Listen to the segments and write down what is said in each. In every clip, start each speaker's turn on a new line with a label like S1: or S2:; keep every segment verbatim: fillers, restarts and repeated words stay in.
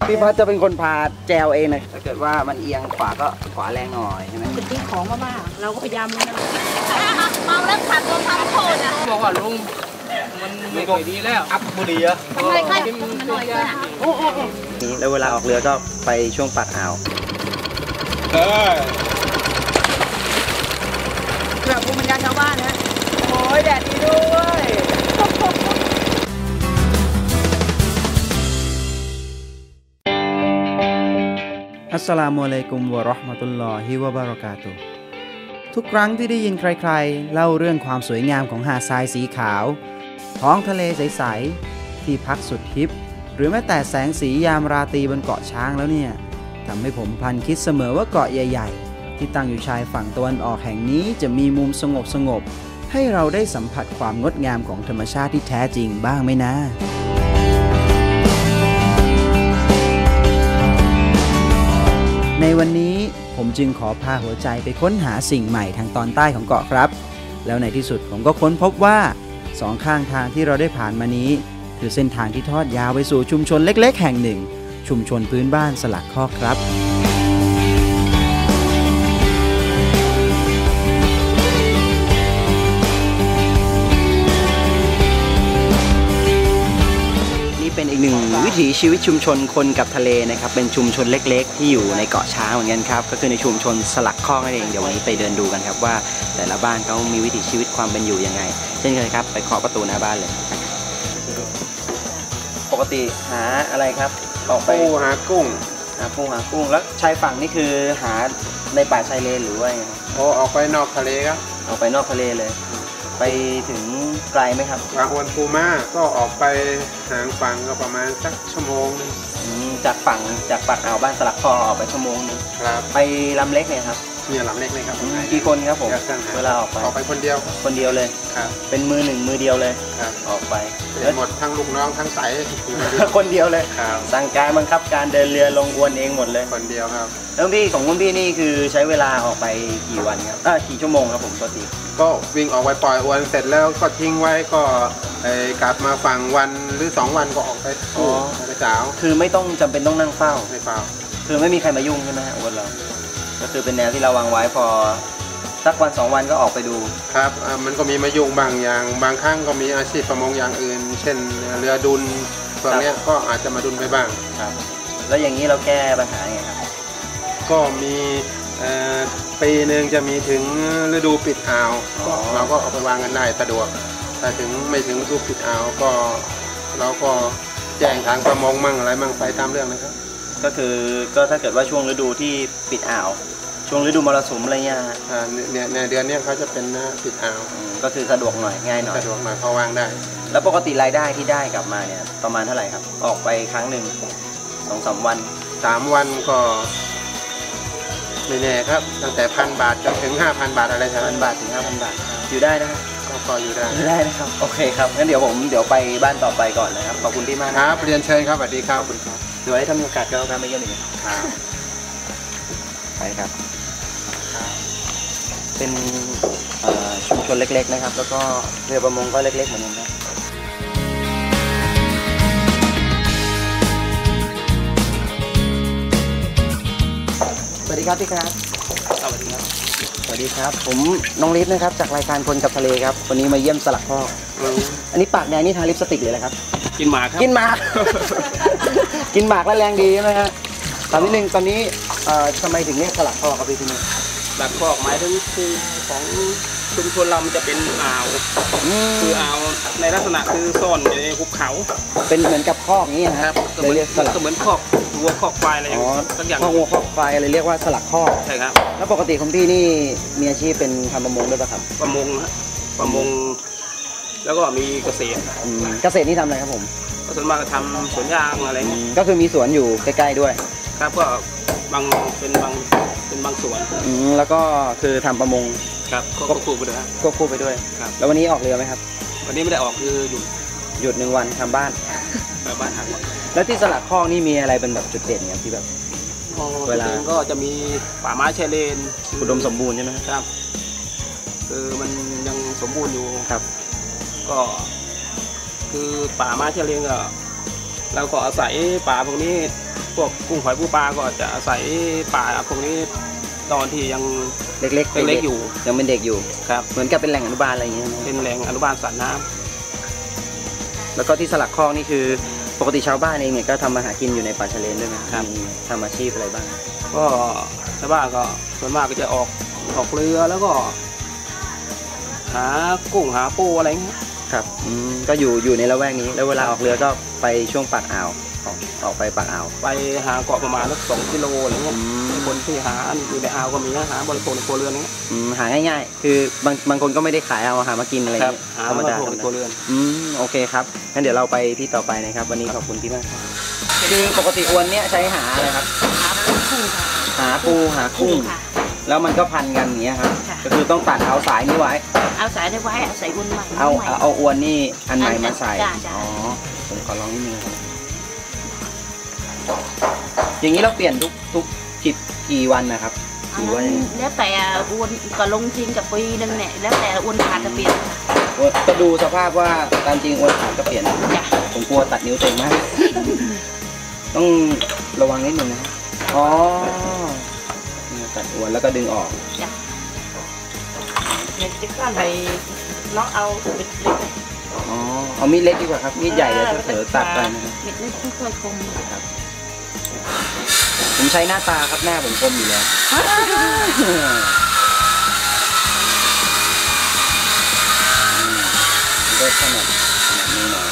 S1: พี่พัดจะเป็นคนพาแจวเองเลยถ้าเกิดว่ามันเอียงขวาก็ขวาแรงหน่อยใช่ไหม
S2: จะทิ้งของมากๆเราก็พยายามนะ
S3: เมาแล้วขับรถทำโทษอ่ะ
S4: บอกว่าลุงมันไม่ค่อยดีแล้วอัพบุรีอะ
S3: ทำไมค่อยมันหน่อยด้วยอ่ะโอ้โห
S1: นี่แล้วเวลาออกเรือก็ไปช่วงปากอ่าว
S4: เออ
S2: เรื่องภูมิปัญญาชาวบ้านนะ
S1: โอ้ยแดดดีด้วยอัสสลามุอะลัยกุมวะเราะห์มะตุลลอฮิวะบะเราะกาตุฮ์ทุกครั้งที่ได้ยินใครๆเล่าเรื่องความสวยงามของหาดทรายสีขาวท้องทะเลใสๆที่พักสุดฮิปหรือแม้แต่แสงสียามราตรีบนเกาะช้างแล้วเนี่ยทำให้ผมพลันคิดเสมอว่าเกาะใหญ่ๆที่ตั้งอยู่ชายฝั่งตะวันออกแห่งนี้จะมีมุมสงบๆให้เราได้สัมผัสความงดงามของธรรมชาติที่แท้จริงบ้างไหมนะในวันนี้ผมจึงขอพาหัวใจไปค้นหาสิ่งใหม่ทางตอนใต้ของเกาะครับแล้วในที่สุดผมก็ค้นพบว่าสองข้างทางที่เราได้ผ่านมานี้คือเส้นทางที่ทอดยาวไปสู่ชุมชนเล็กๆแห่งหนึ่งชุมชนพื้นบ้านสลักคอกครับเป็นอีกหนึ่งวิถีชีวิตชุมชนคนกับทะเลนะครับเป็นชุมชนเล็กๆที่อยู่ในเกาะช้างเหมือนกันครับก็คือในชุมชนสลักคอกนั่นเองเดี๋ยววันนี้ไปเดินดูกันครับว่าแต่ละบ้านเขามีวิถีชีวิตความเป็นอยู่ยังไงเช่นเคยครับไปเคาะประตูหน้าบ้านเลยปกติหาอะไรครับออกไป
S4: ปูหากุ้ง
S1: หาปูหากุ้งแล้วชายฝั่งนี่คือหาในป่าชายเลนหรือว่าไง
S4: โอ้ออกไปนอกทะเลครับ
S1: ออกไปนอกทะเลเลยไปถึงไกลไหมครับ
S4: บางวันปูมาก็ออกไปหางฝั่งก็ประมาณสักชั่วโมงนึง
S1: จากฝั่งจากปากอ่าวบ้านสลักคอออกไปชั่วโมงนึง
S4: ครับ
S1: ไปลำเล็กเนี่ยครับ
S4: เนี่ยลำเล็กเลยครับ
S1: กี่คนครับผมเวลาออกไป
S4: ออกไปคนเดียว
S1: คนเดียวเลย
S4: ครับ
S1: เป็นมือหนึ่งมือเดียวเลย
S4: ครับ
S1: ออกไป
S4: หมดทั้งลูกน้องทั้งไส
S1: คนเดียวเลย
S4: ครับ
S1: สั่งการบังคับการเดินเรือลงอวนเองหมดเลย
S4: คนเดียวครับ
S1: แล้วพี่ของคุณพี่นี่คือใช้เวลาออกไปกี่วันครับอ่ากี่ชั่วโมงครับผมปกติ
S4: ก็วิ่งออกไปปล่อยอวนเสร็จแล้วก็ทิ้งไว้ก็กลับมาฝั่งวันหรือสองวันก็ออกไปกู้ไปสาว
S1: คือไม่ต้องจำเป็นต้องนั่งเฝ้า
S4: ไม่เฝ้า
S1: คือไม่มีใครมายุ่งใช่ไหมอวนเราก็คือเป็นแนวที่เราวางไว้พอสักวันสองวันก็ออกไปดู
S4: ครับมันก็มีมายุ่งบางอย่างบางครั้งก็มีอาชีพประมงอย่างอื่นเช่นเรือดุลพวกนี้ก็อาจจะมาดุลไปบ้าง
S1: ครับแล้วอย่างนี้เราแก้ปัญหาไงครับ
S4: ก็มีปีหนึ่งจะมีถึงฤดูปิดอ่าวเราก็เอาไปวางกันได้สะดวกแต่ถึงไม่ถึงฤดูปิดอ่าวก็เราก็แจ้งทางประมงมั่งอะไรมั่งไปตามเรื่องนะครับ
S1: ก็คือก็ถ้าเกิดว่าช่วงฤดูที่ปิดอ่าวช่วงฤดูมรสุมอะไรเงี้ย
S4: อ่าเนี่ยในเดือนนี้เขาจะเป็นปิดอ่าว
S1: ก็คือสะดวกหน่อยง่ายหน่อย
S4: สะดวกหน่อยพอวางได้
S1: แล้วปกติรายได้ที่ได้กลับมาเนี่ยประมาณเท่าไหร่ครับออกไปครั้งหนึ่งสองสามวัน
S4: สามวันก็ไม่แน่ครับตั้งแต่พันบาทจนถึงห้าพันบาทอะไรทั้ง
S1: พันบาทถึงห้าพันบาทอยู่ได้นะ
S4: ก็พออยู่ได้
S1: ได้นะครับโอเคครับงั้นเดี๋ยวผมเดี๋ยวไปบ้านต่อไปก่อนนะครับขอบคุณที่มาก
S4: ครับเรียนเชิญครับสวัสดีครับขอบคุณครับ
S1: เดี๋ยวให้ทำโอกาสก็การไปเยี่ยมอีกครับไปครับเป็นชุมชนเล็กๆนะครับแล้วก็เรือประมงก็เล็กๆเหมือนกันนะสวัสดีครับพี่ครับ
S4: สวัสดีครับ
S1: สวัสดีครับผมน้องลิฟนะครับจากรายการคนกับทะเลครับวันนี้มาเยี่ยมสลักคอกอันนี้ปากแดงนี่ทาลิปสติกเลยนะครับ
S4: กินหมากครับ
S1: กินหมากกินหมากแล้วแรงดีใช่ไหมฮะตอนนี้หนึ่งตอนนี้ทำไมถึงเรียกสลักคอกครับพี่ที่นี่
S4: สลักคอกหมายถึงคือของชุมชนเรามันจะเป็นอ่าวคืออ่าวในลักษณะคือซ่อนอยู่ในภูเขา
S1: เป็นเหมือนกับคอกนี้นะครับ
S4: เลยเรียกสลักเหมือนคอกวัวคอกควายอะไรอย่างเงี้ยสักอย่าง
S1: คอกวัวคอกควายอะไรเรียกว่าสลักคอก
S4: ใช่ครับ
S1: แล้วปกติของพี่นี่มีอาชีพเป็นทำประมงด้วยป่ะครับ
S4: ประมงประมงแล้วก็มีเกษตร
S1: เกษตรนี่ทำอะไรครับผม
S4: ก็ส่วนมากทำสวนยางอะไรเงี้ย
S1: ก็คือมีสวนอยู่ใกล้ๆด้วย
S4: ครับก็บางเป็นบางเป็นบางสวน
S1: แล้วก็คือทำประมง
S4: ครับควบคู่ไปด้วย
S1: ควบคู่ไปด้วย
S4: ครับ
S1: แล้ววันนี้ออกเรือไหมครับ
S4: วันนี้ไม่ได้ออกคือหยุด
S1: หยุดหนึ่งวันทำบ้าน
S4: บ้านทางวัน
S1: แล้วที่สลักคอกนี่มีอะไรเป็นแบบจุดเด่นเนี่ยที่แบบ
S4: เวลาก็จะมีป่าไม้ชายเลน
S1: อุดมสมบูรณ์ใช่ไหม
S4: ครับคือมันยังสมบูรณ์อยู่
S1: ครับ
S4: ก็คือป่าไม้ชายเลนก็เราก็อาศัยป่าพวกนี้
S5: พวกกุ้งหอยปูปลาก็จะอาศัยป่าพวกนี้ตอนที่ยัง
S1: เล็กๆ
S5: เล็กๆอยู่
S1: ยังเป็นเด็กอยู่
S5: ครับ
S1: เหมือนกับเป็นแหล่งอนุบาลอะไรอย่างเงี้ยนะ
S5: เป็นแหล่งอนุบาลสัตว์น้ำ
S1: แล้วก็ที่สลักคลองนี่คือปกติชาวบ้านเองเนี่ยก็ทำมาหากินอยู่ในป่าชะเลนด้วยไหมครับมีทำอาชีพอะไรบ้าง
S5: ก็ชาวบ้านก็ส่วนมากก็จะออกออกเรือแล้วก็ หากุ้งหาปูอะไรเงี้ย
S1: ครับอืมก็อยู่อยู่ในละแวกนี้แล้วเวลาออกเรือก็ไปช่วงปากอ่าวออกออกไปปากอ่าว
S5: ไปหาเกาะประมาณสักสองกิโลอะไรเงี้ย
S1: อืม
S5: คนที่หาอยู่ในอ่าวก็มีนะหาบริโภคในครัวเรือนเงี้ย
S1: อืมหาง่ายๆ คือบางบางคนก็ไม่ได้ขายเอาหามากินอะไร
S5: ครับ
S1: เงี้ย
S5: หา
S1: ธรรม
S5: บริ
S1: ดา
S5: โภคในครัวเรือน
S1: อืมโอเคครับงั้นเดี๋ยวเราไปที่ต่อไปนะครับวันนี้ขอบคุณพี่มากครับคือปกติอวนเนี้ยใช้หาอะไรครับ
S2: หาปูกุ้งค่ะ
S1: หาปูหากุ้ง
S2: ค่ะ
S1: แล้วมันก็พันกันอย่างเงี้ยครับ
S2: ค่ะ
S1: ก็คือต้องตัดเอาสายนี้ไว้
S2: เอาสายได้ไว้เอาใส่อุ่นใหม่
S1: เอา
S2: ใหม่
S1: เอาเอาอวนนี่อันใหม่มาใส่
S2: จ้ะจ้ะ
S1: อ๋อผมขอลองนิดนึงครับอย่างนี้เราเปลี่ยนทุกทุกกี่กี่วันนะครับ
S2: อั
S1: ห
S2: น
S1: รือว่า
S2: นั้น
S1: ยังไง
S2: แล้วแต่อ้วนก็ลงทิ้งกับปีนึงเนี่ยแล้วแต่อ้วนขาดจะเปลี่ยนค่ะ
S1: ก็ดูสภาพว่าตามจริงอวนขาดก็เปลี่ยน
S2: จ้ะ
S1: ผมกลัวตัดนิ้วเต็มมาก ต้องระวังนิดนึงนะครับอ๋อนี่ตัดอวนแล้วก็ดึงออก
S2: จ้ะเด็กจะก้อนไปน้องเอาเล็กเล็ก
S1: อ๋อเอามีดเล็กดีกว่าครับมีดใหญ่เดี๋ยวจะเผลอตัดไปนะครับ
S2: เล็กเล็กไม่ค่อยคม
S1: ผมใช้หน้าตาครับหน้าผมคมอยู่แล้วก็ขนาดขนาดนี้หน่อย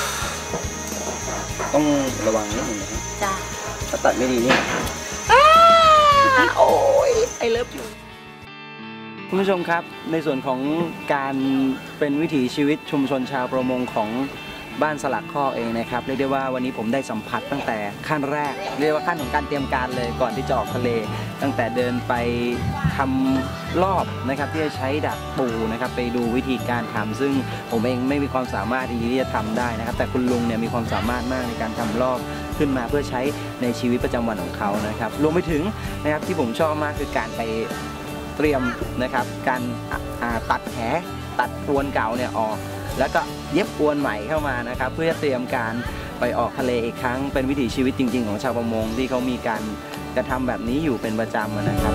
S1: ต้องระวังนิดนึงนะครับ
S2: จ้ะ
S1: ถ้าตัดไม่ดีนี่โอ้ยไอเลิฟอยู่คุณผู้ชมครับในส่วนของการเป็นวิถีชีวิตชุมชนชาวประมงของบ้านสลักข้อเองนะครับเรียกได้ว่าวันนี้ผมได้สัมผัสตั้งแต่ขั้นแรกเรียกว่าขั้นของการเตรียมการเลยก่อนที่จะออกทะเล ตั้งแต่เดินไปทำรอบนะครับที่จะใช้ดักปูนะครับไปดูวิธีการทำซึ่งผมเองไม่มีความสามารถที่จะทำได้นะครับแต่คุณลุงเนี่ยมีความสามารถมากในการทำรอบขึ้นมาเพื่อใช้ในชีวิตประจำวันของเขานะครับรวมไปถึงนะครับที่ผมชอบมากคือการไปเตรียมนะครับการตัดแหตัดอวนเก่าเนี่ยออกแล้วก็เย็บอวนใหม่เข้ามานะครับเพื่อเตรียมการไปออกทะเลอีกครั้งเป็นวิถีชีวิตจริงๆของชาวประมงที่เขามีการกระทำแบบนี้อยู่เป็นประจำนะครับ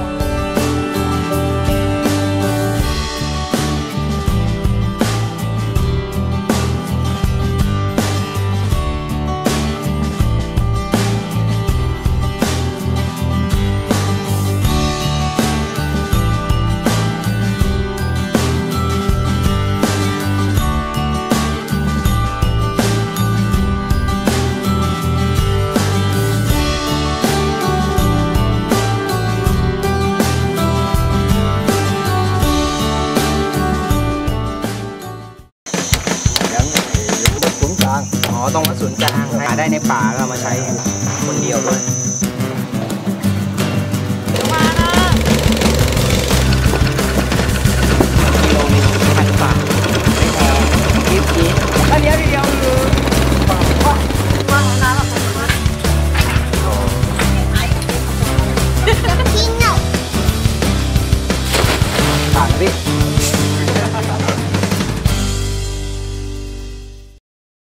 S1: อ๋อตรงวัดศูนย์กลางหาได้ในป่าก็เอามาใช้คนเดียวด้วย